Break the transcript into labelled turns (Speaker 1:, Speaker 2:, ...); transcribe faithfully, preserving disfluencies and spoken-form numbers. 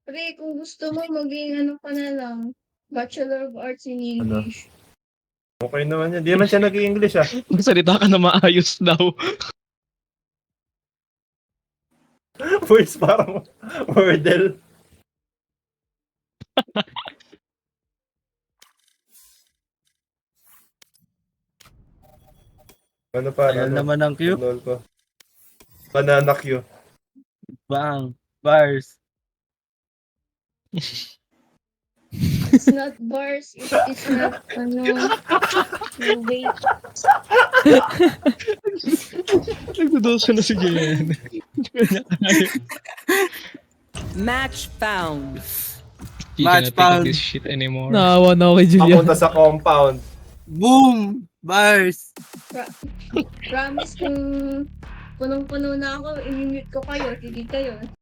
Speaker 1: Pre, kung gusto mo maging ano ka na lang, Bachelor of Arts in
Speaker 2: Ano?
Speaker 1: English.
Speaker 2: Okay naman yan. Di naman siya nag-i-English ah.
Speaker 3: Magsalita ka na maayos daw.
Speaker 2: Voice parang Wordle. Ano pa?
Speaker 4: Ayan
Speaker 2: Ano?
Speaker 4: naman ang Q.
Speaker 2: Lol ko. Banana Q.
Speaker 4: Bang. Bars.
Speaker 1: It's not bars, it is not, ano, no wait.
Speaker 3: Nagdudusa na si Jen.
Speaker 5: Match found.
Speaker 3: She
Speaker 4: Match
Speaker 3: cannot
Speaker 4: found.
Speaker 3: take this shit anymore.
Speaker 6: Naawa na ako kay Julian.
Speaker 2: Papunta sa compound.
Speaker 4: Boom! Bars.
Speaker 1: Pra- promise kung punong-puno na ako, i-mute ko kayo, hindi kayo.